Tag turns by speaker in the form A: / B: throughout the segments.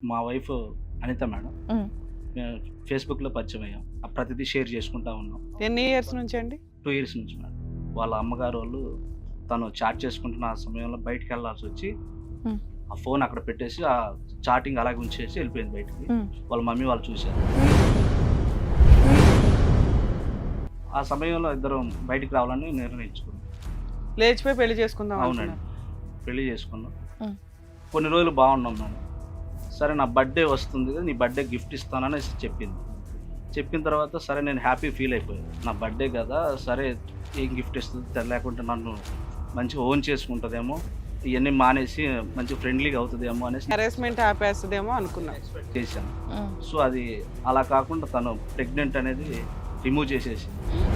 A: మా wife Anitha madam.
B: హ్మ్.
A: మేము ఫేస్‌బుక్‌లో పరిచయం అయ్యాం. ప్రతిదీ షేర్ చేసుకుంటా ఉన్నాం.
C: ఎన్ని ఇయర్స్ నుంచి అండి?
A: 2 ఇయర్స్ నుంచి మేడం. వాళ్ళ అమ్మగారోళ్ళు తను చాట్ చేసుకుంటున్న ఆ సమయంలో బయటికెళ్ళాల్సొచ్చి
B: హ్మ్.
A: ఆ ఫోన్ అక్కడ పెట్టేసి ఆ చాటింగ్ అలాగే ఉంచేసి వెళ్ళిపోయింది బయటికి.
B: హ్మ్.
A: వాళ్ళ మమ్మీ వాళ్ళు చూసారు. ఆ సమయంలో ఇద్దరం బయటికి రావాలని నిర్ణయించుకున్నాం.
C: లేచిపోయి పెళ్లి చేసుకుందాం
A: అవునండి.
C: అనుకున్నారు.
A: పెళ్లి చేసుకున్నాం.
B: హ్మ్.
A: కొన్ని రోజులు బాగున్నాం మేడం. సరే నా బర్త్‌డే వస్తుంది కదా! నీ బర్త్‌డే గిఫ్ట్ ఇస్తాననేసి చెప్పింది. చెప్పిన తర్వాత సరే నేను హ్యాపీ ఫీల్ అయిపోయాను. నా బర్త్‌డే కదా! సరే ఏం గిఫ్ట్ ఇస్తది లేకుంటే నన్ను మంచిగా ఓన్ చేసుకుంటదేమో, ఇయన్నీ మానేసి మంచిగా ఫ్రెండ్లీగా అవుతదేమో అనేసి
C: హెరాస్మెంట్ ఆపేస్తుందేమో అనుకున్నాం.
A: ఎక్స్‌పెక్ట్ చేశాను.
B: హ్మ్.
A: సో, అది అలా కాకుండా తను ప్రెగ్నెంట్ అనేది రిమూవ్ చేసేసింది.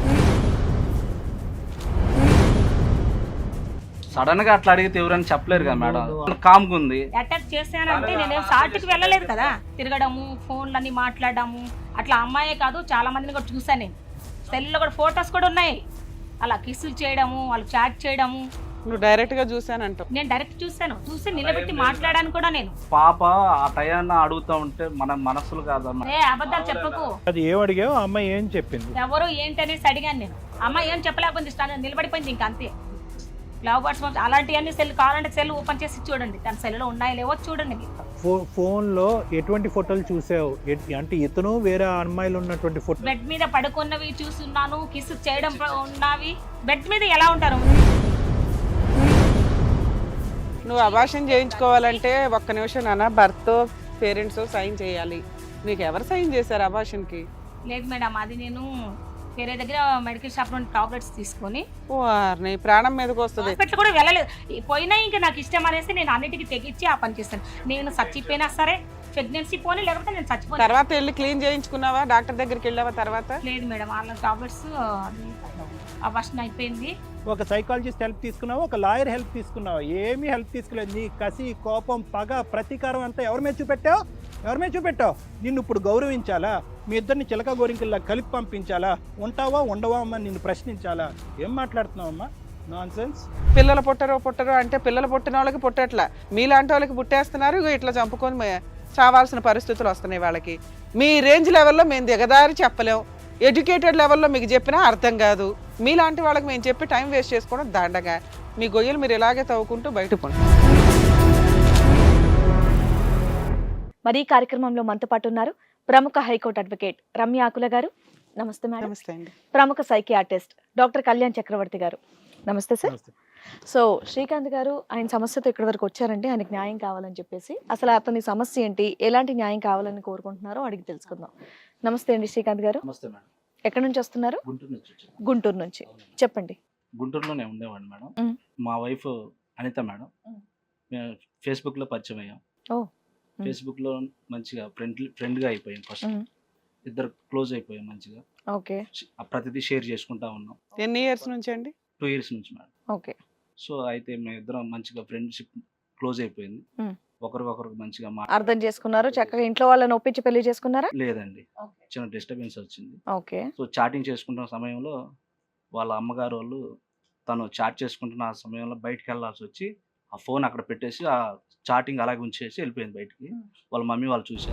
A: సడెన్‌గా అట్లా అడిగితే ఎవరైనా చెప్పలేరు కదా మేడం. కామ్‌గా ఉంది.
D: అటాక్ చేశానంటే నేనేం సాటుకి వెళ్ళలేదు కదా. తిరగడము, ఫోన్లన్నీ మాట్లాడడము, అట్లా అమ్మాయే కాదు చాలా మందిని కూడా చూసాను నేను. సెల్లో కూడా ఫొటోస్ కూడా ఉన్నాయి. అలా కిస్సులు చేయడము, వాళ్ళు చాట్ చేయడము.
C: నువ్వు డైరెక్ట్ గా చూసానంటావు.
D: నేను డైరెక్ట్ చూశాను. చూసి నిలబెట్టి మాట్లాడాను కూడా నేను.
A: పాప ఆ టయాన్న అడుగుతా ఉంటే మన మనసులు కాదమ్మా.
D: ఏ అబద్ధాలు చెప్పకు.
E: అది ఏం అడిగావు ఆ అమ్మాయి ఏం చెప్పింది?
D: ఎవరు ఏంటి అనేసి అడిగాను నేను. అమ్మాయి ఏం చెప్పలేకపోయింది, నిలబడిపోయింది ఇంకా అంతే. లవ్ బర్డ్స్ అలాంటివన్నీ సెల్ కావాలంటే సెల్ ఓపెన్ చేసి చూడండి. తన సెల్లో ఉన్నాయో లేవో చూడండి మీరు.
E: ఫోన్లో ఎటువంటి ఫోటోలు చూసావు? అంటే ఇతను వేరే అమ్మాయిలు ఉన్నటువంటి ఫోటో
D: బెడ్ మీద పడుకున్నవి చూస్తున్నాను, కిస్ చేయడం ఉన్నవి. బెడ్ మీద ఎలా ఉంటారు?
C: నువ్వు అబార్షన్ చేయించుకోవాలంటే ఒక్క నిమిషం నాన్న, భర్త పేరెంట్స్ సైన్ చేయాలి. నీకు ఎవరు సైన్ చేశారు అబార్షన్ కి?
D: లేదు మేడం, అది నేను వేరే దగ్గర మెడికల్ షాప్ నుండి టాబ్లెట్స్ తీసుకొని
C: నీ ప్రాణం మీదకి వస్తుంది.
D: హాస్పిటల్ కూడా వెళ్ళలేదు. పోయినా ఇంకా నాకు ఇష్టం అనేసి నేను అన్నిటికీ తెగించి ఆ పని చేస్తాను. నేను చచ్చిపోయినా సరే ప్రెగ్నెన్సీ పోనీ, లేకపోతే నేను చచ్చిపోయినా.
C: తర్వాత వెళ్ళి క్లీన్ చేయించుకున్నావా? డాక్టర్ దగ్గరికి వెళ్ళావా తర్వాత?
D: లేదు మేడం, వాళ్ళ టాబ్లెట్స్ అబార్షన్ అయిపోయింది.
E: ఒక సైకాలజిస్ట్ హెల్ప్ తీసుకున్నావు, ఒక లాయర్ హెల్ప్ తీసుకున్నావు, ఏమీ హెల్ప్ తీసుకోలేదు. నీ కసి, కోపం, పగ, ప్రతీకారం అంతా ఎవరి మీద చూపెట్టావు? నిన్ను ఇప్పుడు గౌరవించాలా? మీ ఇద్దరిని చిలక గోరింకల్లా కలిపి పంపించాలా? ఉంటావా ఉండవా అమ్మా నిన్ను ప్రశ్నించాలా? ఏం మాట్లాడుతున్నావమ్మా? Non sense.
C: పిల్లలు పుట్టరు అంటే పిల్లలు పుట్టిన వాళ్ళకి పుట్టట్లా, మీలాంటి వాళ్ళకి పుట్టేస్తున్నారు. ఇగో ఇట్లా చంపుకొని చావాల్సిన పరిస్థితులు వస్తున్నాయి వాళ్ళకి. మీ రేంజ్ లెవెల్లో మేము దిగదారి చెప్పలేం, ఎడ్యుకేటెడ్ లెవెల్లో మీకు చెప్పినా అర్థం కాదు. మీలాంటి వాళ్ళకి మేము చెప్పి టైం వేస్ట్ చేసుకోవడం దండగా. మీ గొయ్యలు మీరు ఇలాగే తవ్వుకుంటూ బయట పోండి.
B: మరి ఈ కార్యక్రమంలో మనతో పాటు ఉన్నారు ప్రముఖ హైకోర్టు అడ్వకేట్ రమ్య ఆకుల గారు. నమస్తే మేడం.
C: నమస్తే అండి.
B: ప్రముఖ సైకియాట్రిస్ట్ డాక్టర్ కళ్యాణ్ చక్రవర్తి గారు. నమస్తే సార్. సో శ్రీకాంత్ గారు ఆయన సమస్యతో ఇక్కడి వరకు వచ్చారంటే ఆయనకు న్యాయం కావాలని చెప్పేసి, అసలు అతని సమస్య ఏంటి, ఎలాంటి న్యాయం కావాలని కోరుకుంటున్నారో అడిగి తెలుసుకుందాం. నమస్తే అండి శ్రీకాంత్ గారు.
A: నమస్తే మేడం.
B: ఎక్కడి నుంచి వస్తున్నారు?
A: గుంటూరు నుంచి వచ్చాను.
B: గుంటూరు నుంచి. చెప్పండి.
A: గుంటూరులోనే ఉండేవాడిని మేడం.
B: మ్.
A: మా వైఫ్ అనిత మేడం.
B: మ్.
A: మేము ఫేస్‌బుక్‌లో పరిచయం అయ్యాం.
B: ఓ. మ్.
A: ఫేస్‌బుక్‌లో మంచిగా ఫ్రెండ్‌గా అయిపోయాం ఫస్ట్.
B: మ్.
A: ఇద్దరు క్లోజ్ అయిపోయాం మంచిగా.
B: ఓకే.
A: ప్రతిదీ షేర్ చేసుకుంటా ఉన్నాం.
C: ఎన్ని ఇయర్స్ నుంచి అండి?
A: 2 ఇయర్స్ నుంచి మేడం.
B: ఓకే.
A: సో, అయితే మేమిద్దరం మంచిగా ఫ్రెండ్‌షిప్ క్లోజ్ అయిపోయింది.
B: మ్.
A: ఒకరికొకరు మంచిగా
B: అర్థం చేసుకున్నారు, చక్కగా ఇంట్లో వాళ్ళని ఒప్పించి పెళ్లి చేసుకున్నారా?
A: లేదండి. చిన్న డిస్టర్బెన్స్ వచ్చింది.
B: ఓకే.
A: సో, చాటింగ్ చేసుకుంటున్న సమయంలో వాళ్ళ అమ్మగారోళ్ళు తను చాట్ చేసుకుంటున్న ఆ సమయంలో బయటికెళ్ళాల్సొచ్చి ఆ ఫోన్ అక్కడ పెట్టేసి ఆ చాటింగ్ అలాగే ఉంచేసి వెళ్ళిపోయింది బయటికి. వాళ్ళ మమ్మీ వాళ్ళు చూసారు.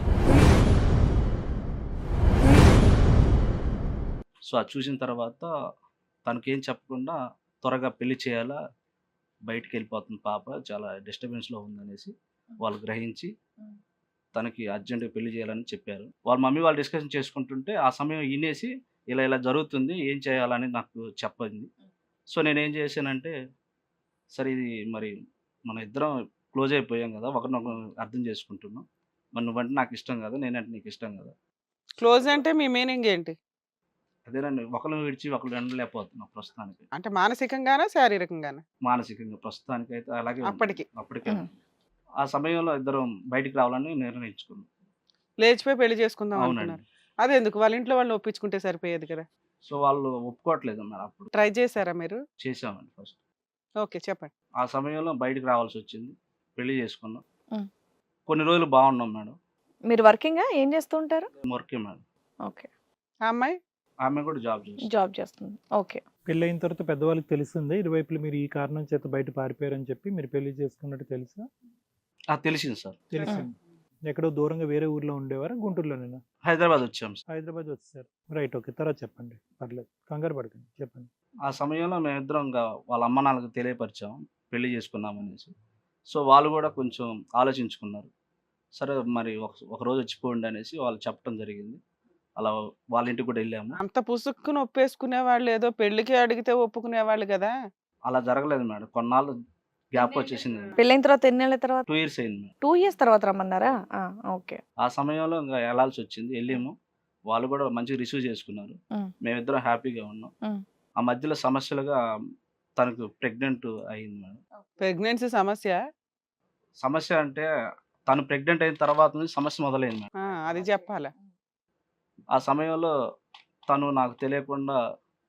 A: సో, అది చూసిన తర్వాత తనకేం చెప్పకుండా త్వరగా పెళ్లి చేయాలా, బయటికెళ్ళిపోతుంది పాప, చాలా డిస్టర్బెన్స్‌లో ఉందనేసి వాళ్ళు గ్రహించి తనకి అర్జెంట్‌గా పెళ్లి చేయాలని చెప్పారు. వాళ్ళ మమ్మీ వాళ్ళు డిస్కషన్ చేసుకుంటుంటే ఆ సమయం ఇనేసి ఇలా జరుగుతుంది, ఏం చేయాలని నాకు చెప్పింది. సో, నేనేం చేశానంటే, సరే ఇది మరి మన ఇద్దరం క్లోజ్ అయిపోయాం కదా! ఒకరినొకరు అర్థం చేసుకుంటున్నాం. మరి నువ్వంటే నాకు ఇష్టం కదా! నేనంటే నీకు ఇష్టం కదా!
C: క్లోజ్ అంటే మీ మీనింగ్ ఏంటి?
A: అదేనండి, ఒకళ్ళని విడిచి ఒకళ్ళు ఉండలేకపోతున్నాం ప్రస్తుతానికి.
C: అంటే మానసికంగానా శారీరకంగానా?
A: మానసికంగా ప్రస్తుతానికైతే అలాగే ఉంది.
C: అప్పటికి
A: అప్పటికే. ఆ సమయంలో ఇద్దరం బయటికి రావాలని నిర్ణయించుకున్నాం.
C: లేచిపోయి పెళ్లి చేసుకుందాం
A: అవునండి.
C: అనుకున్నారు. అదెందుకు? వాళ్ళ ఇంట్లో వాళ్ళని ఒప్పించుకుంటే సరిపోయేది కదా.
A: సో, వాళ్ళు ఒప్పుకోవట్లేదు మరి అప్పుడు.
C: ట్రై చేశారా మీరు?
A: చేసామండి ఫస్ట్.
C: ఓకే, చెప్పండి.
A: ఆ సమయంలో బయటికి రావాల్సొచ్చింది. పెళ్లి చేసుకున్నాం.
B: మ్.
A: కొన్ని రోజులు బాగున్నాం మేడం.
B: మీరు వర్కింగా ఏం చేస్తూ ఉంటారు?
A: వర్కే మేడం.
B: ఓకే.
C: ఆ అమ్మాయి
A: ఆమె కూడా జాబ్ చేస్తుంది.
B: జాబ్ చేస్తుంది. ఓకే.
E: పెళ్ళైన తర్వాత పెద్దవాళ్ళకి తెలిసింది ఇరువైపులు మీరు ఈ కారణం చేత బయట పారిపోయారని చెప్పి మీరు పెళ్లి చేసుకున్నట్టు తెలుసా?
A: తెలిసింది సార్.
E: తెలిసింది. ఎక్కడో దూరంగా వేరే ఊర్లో ఉండేవారా, గుంటూరులోనేనా?
A: హైదరాబాద్ వచ్చాం సార్.
E: హైదరాబాద్ వచ్చేసారు. Right, okay. తర్వాత చెప్పండి, పర్లేదు, కంగారు పడకండి, చెప్పండి.
A: ఆ సమయంలో మేమిద్దరం ఇంకా వాళ్ళ అమ్మ నాన్నలకు తెలియపరిచాం పెళ్లి చేసుకున్నామనేసి. సో వాళ్ళు కూడా కొంచెం ఆలోచించుకున్నారు. సరే మరి ఒక రోజు వచ్చిపోండి అనేసి వాళ్ళు చెప్పడం జరిగింది. అలా వాళ్ళ ఇంటికి కూడా వెళ్ళాము.
C: అంత పుసుక్కుని ఒప్పేసుకునే వాళ్ళు ఏదో పెళ్లికి అడిగితే ఒప్పుకునేవాళ్ళు కదా.
A: అలా జరగలేదు మేడం. కొన్నాళ్ళు గ్యాప్ వచ్చేసింది.
B: పెళ్ళైన తర్వాత ఎన్నేళ్ళ తర్వాత?
A: 2 years అయింది మేడం.
B: 2 years తర్వాత రమ్మన్నారా? ఓకే.
A: ఆ సమయంలో ఇంకా వెళ్ళాల్సి వచ్చింది. వెళ్ళాము. వాళ్ళు కూడా మంచిగా రిసీవ్ చేసుకున్నారు. మేమిద్దరం హ్యాపీగా ఉన్నాం. ఆ మధ్యలో సమస్యలుగా తనకు ప్రెగ్నెంట్ అయింది మేడం.
C: ప్రెగ్నెన్సీ
A: సమస్య అంటే తను ప్రెగ్నెంట్ అయిన తర్వాత నుంచి సమస్య మొదలైంది మేడం.
C: అది చెప్పాలా.
A: ఆ సమయంలో తను నాకు తెలియకుండా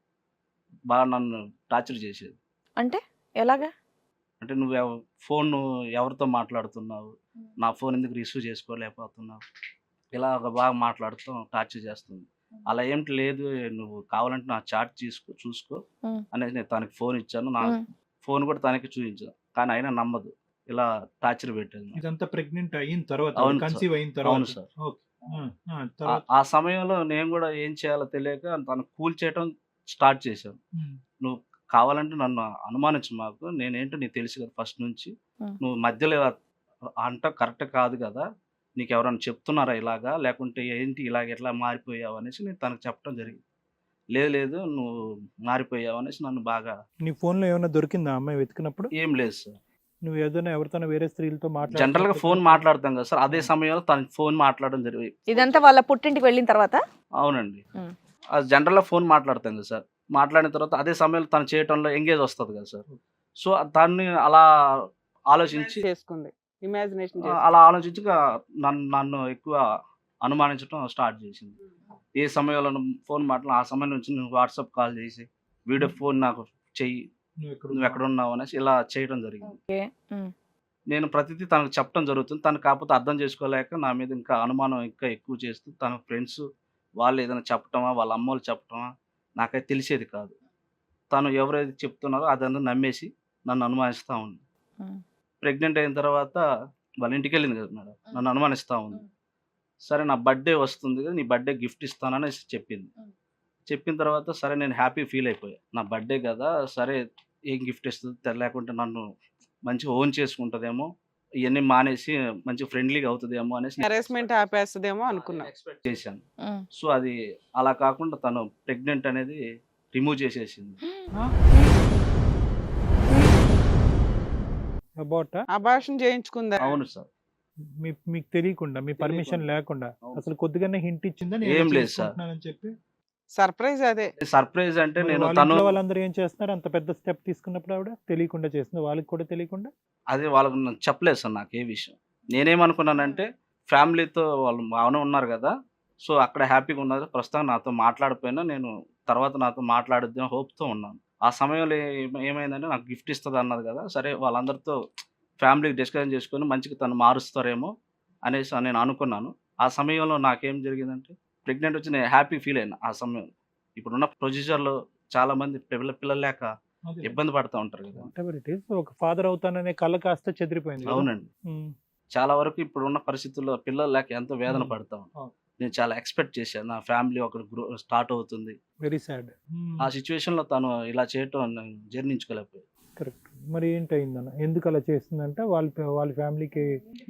A: బాగా నన్ను టార్చర్ చేసేది.
B: అంటే ఎలాగా?
A: అంటే నువ్వు ఫోన్ ఎవరితో మాట్లాడుతున్నావు, నా ఫోన్ ఎందుకు రిసీవ్ చేసుకోలేకపోతున్నావు, ఇలా బాగా మాట్లాడుతూ టార్చర్ చేస్తుంది. అలా ఏమిటి లేదు, నువ్వు కావాలంటే నా చాట్ చూసుకో అనేది నేను తనకి ఫోన్ ఇచ్చాను. నా ఫోన్ కూడా తనకి చూపించాను. కానీ అయినా నమ్మదు. ఇలా టార్చర్ పెట్టేది.
E: ఇదంతా ప్రెగ్నెంట్ అయిన తర్వాత,
A: అవును
E: కన్సీవ్ అయిన తర్వాత.
A: అవును సార్. ఆ సమయంలో నేను కూడా ఏం చేయాలో తెలియక తను కూల్ చేయడం స్టార్ట్ చేశాను. నువ్వు కావాలంటే నన్ను అనుమానించు, మాకు నేనేంటో నీకు తెలుసు కదా ఫస్ట్ నుంచి, నువ్వు మధ్యలో ఇలా అంట కరెక్ట్ కాదు కదా, నీకు ఎవరైనా చెప్తున్నారా ఇలాగా, లేకుంటే ఏంటి ఇలాగ ఎట్లా మారిపోయావు అనేసి నేను తనకు చెప్పడం జరిగింది. లేదు నువ్వు మారిపోయావు అనేసి నన్ను బాగా.
E: నీ ఫోన్లో ఏమైనా దొరికిందా అమ్మాయి వెతికినప్పుడు?
A: ఏం లేదు సార్.
E: నువ్వు ఏదైనా ఎవరితోనో వేరే స్త్రీలతో
A: జనరల్ గా ఫోన్ మాట్లాడతాం కదా సార్, అదే సమయంలో తన ఫోన్ మాట్లాడడం జరిగింది.
B: ఇదంతా వాళ్ళ పుట్టింటికి వెళ్ళిన తర్వాత?
A: అవునండి. అది జనరల్ గా ఫోన్ మాట్లాడతాం కదా సార్, మాట్లాడిన తర్వాత అదే సమయంలో తను చేయటంలో ఎంగేజ్ వస్తుంది కదా సార్. సో దాన్ని అలా ఆలోచించి
C: చేసుకుంది, ఇమాజినేషన్
A: అలా ఆలోచించి నన్ను ఎక్కువ అనుమానించడం స్టార్ట్ చేసింది. ఏ సమయంలో ఫోన్ మాట్లాడి ఆ సమయం నుంచి నువ్వు వాట్సాప్ కాల్ చేసి వీడియో ఫోన్ నాకు చెయ్యి, నువ్వు ఎక్కడ ఉన్నావు అనేసి ఇలా చేయడం జరిగింది. నేను ప్రతిదీ తనకు చెప్పడం జరుగుతుంది. తను కాకపోతే అర్థం చేసుకోలేక నా మీద ఇంకా అనుమానం ఇంకా ఎక్కువ చేస్తూ తన ఫ్రెండ్స్ వాళ్ళు ఏదైనా చెప్పటమా, వాళ్ళ అమ్మోళ్ళు చెప్పటమా నాకైతే తెలిసేది కాదు. తను ఎవరైతే చెప్తున్నారో అదంతా నమ్మేసి నన్ను అనుమానిస్తూ ఉంది. ప్రెగ్నెంట్ అయిన తర్వాత వాళ్ళ ఇంటికి వెళ్ళింది కదా మేడం, నన్ను అనుమానిస్తూ ఉంది. సరే నా బర్త్డే వస్తుంది కదా, నీ బర్త్డే గిఫ్ట్ ఇస్తానని చెప్పింది. చెప్పిన తర్వాత సరే నేను హ్యాపీ ఫీల్ అయిపోయా. నా బర్త్డే కదా, సరే ఏం గిఫ్ట్ ఇస్తుంది, లేకుంటే నన్ను మంచిగా ఓన్ చేసుకుంటుందేమో, ఇవన్నీ మానేసి మంచి ఫ్రెండ్లీగా అవుతుందేమో అనేసి
C: హెరాస్మెంట్ ఆపేస్తుందేమో అనుకున్నా,
A: ఎక్స్పెక్ట్ చేశాను. సో అది అలా కాకుండా తను ప్రెగ్నెంట్ అనేది రిమూవ్ చేసేసింది.
C: అబార్షన్ చేయించుకుందా?
A: అవును సార్.
E: మీకు తెలియకుండా, మీ పర్మిషన్ లేకుండా, అసలు కొద్దిగానే హింట్ ఇచ్చిందా
A: ఏం లేదు సార్.
E: చెప్పి
C: సర్ప్రైజ్. అదే
A: సర్ప్రైజ్ అంటే నేను
E: వాళ్ళందరూ ఏం చేస్తున్నారు, అంత పెద్ద స్టెప్ తీసుకున్నప్పుడు ఆవిడ తెలియకుండా చేస్తుంది, వాళ్ళకి కూడా తెలియకుండా.
A: అదే వాళ్ళకి చెప్పలేదు సార్ నాకు ఏ విషయం. నేనేమనుకున్నానంటే ఫ్యామిలీతో వాళ్ళు బాగానే ఉన్నారు కదా, సో అక్కడ హ్యాపీగా ఉన్నారు, ప్రస్తుతం నాతో మాట్లాడిపోయినా నేను తర్వాత నాతో మాట్లాడుద్దాం హోప్తో ఉన్నాను. ఆ సమయంలో ఏమైందంటే నాకు గిఫ్ట్ ఇస్తుంది అన్నది కదా, సరే వాళ్ళందరితో ఫ్యామిలీకి డిస్కషన్ చేసుకొని మంచిగా తను మారుస్తారేమో అనేసి నేను అనుకున్నాను. ఆ సమయంలో నాకేం జరిగిందంటే ప్రెగ్నెంట్ వచ్చి నేను హ్యాపీ ఫీల్ అయినా. ఆ సమయంలో ఇప్పుడున్న ప్రొసీజర్లో చాలా మంది పిల్లలు లేక ఇబ్బంది పడుతూ ఉంటారు కదా.
E: ఒక ఫాదర్ అవుతాననే కళ కాస్త చెదిరిపోయింది.
A: అవునండి. చాలా వరకు ఇప్పుడున్న పరిస్థితుల్లో పిల్లలు లేక ఎంతో వేదన పడతాం. నేను చాలా ఎక్స్పెక్ట్ చేశాను నా ఫ్యామిలీ ఒక స్టార్ట్ అవుతుంది.
E: Very sad.
A: ఆ సిచ్యువేషన్ లో తను ఇలా చేయటం జీర్ణించుకోలేకపోయాడు.
E: కరెక్ట్. మరి ఏంటయిందన్న, ఎందుకు అలా చేస్తుందంటే వాళ్ళ ఫ్యామిలీకి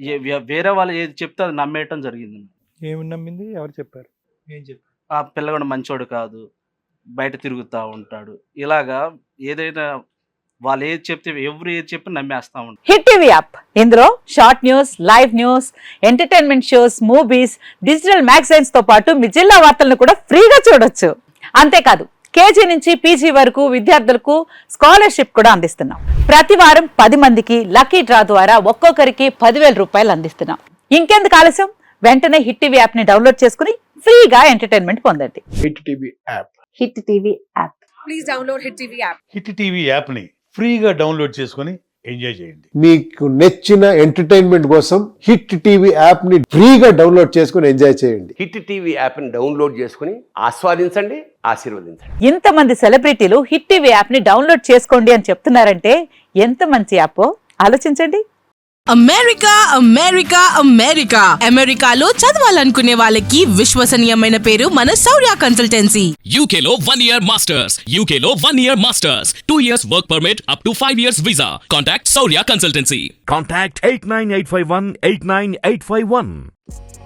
A: వేరే వాళ్ళు ఏది చెప్తే అది నమ్మేయటం జరిగింది.
E: ఏమి నమ్మింది? ఎవరు చెప్పారు? ఏం చెప్పారు?
A: ఆ పిల్లగాడు మంచోడు కాదు, బయట తిరుగుతూ ఉంటాడు, ఇలాగా ఏదైనా వాళ్ళు ఏది చెప్తే ఎవరు ఏది చెప్పి నమ్మేస్తా ఉంటారు.
F: హిట్ టీవీ యాప్, ఇందులో short news, live news, entertainment shows, movies, digital magazines తో పాటు మీ జిల్లా వార్తలను కూడా ఫ్రీగా చూడొచ్చు. అంతేకాదు కేజీ నుంచి పీజీ వరకు విద్యార్థులకు స్కాలర్షిప్ కూడా అందిస్తున్నాం. ప్రతి వారం 10 మందికి లక్కీ డ్రా ద్వారా ఒక్కొక్కరికి 10,000 రూపాయలు అందిస్తున్నాం. ఇంకెందుకు ఆలస్యం, వెంటనే హిట్ టీవీ యాప్ ని డౌన్లోడ్ చేసుకుని ఫ్రీగా ఎంటర్టైన్మెంట్ పొందండి.
G: Hit TV app.
F: Hit TV app.
B: Please download hit TV app.
G: Hit TV app ని ఫ్రీగా డౌన్లోడ్ చేసుకొని ఎంజాయ్ చేయండి.
H: మీకు నచ్చిన ఎంటర్టైన్మెంట్ కోసం హిట్ టీవీ యాప్ ని ఫ్రీగా డౌన్లోడ్ చేసుకొని ఎంజాయ్ చేయండి.
I: హిట్ టీవీ యాప్ ని డౌన్లోడ్ చేసుకుని ఆస్వాదించండి, ఆశీర్వదించండి.
F: ఇంతమంది సెలబ్రిటీలు హిట్ టీవీ యాప్ ని డౌన్లోడ్ చేసుకోండి అని చెప్తున్నారంటే ఎంత మంచి యాప్ ఆలోచించండి.
J: అమెరికా అమెరికా అమెరికా అమెరికాలో చదవాలనుకునే వాళ్ళకి విశ్వసనీయమైన పేరు మన శౌర్య కన్సల్టెన్సీ.
K: UK లో 1 year masters. UK లో 1 year masters. 2 years work permit up to 5 years visa. Contact Saurya Consultancy.
L: Contact 89851 89851.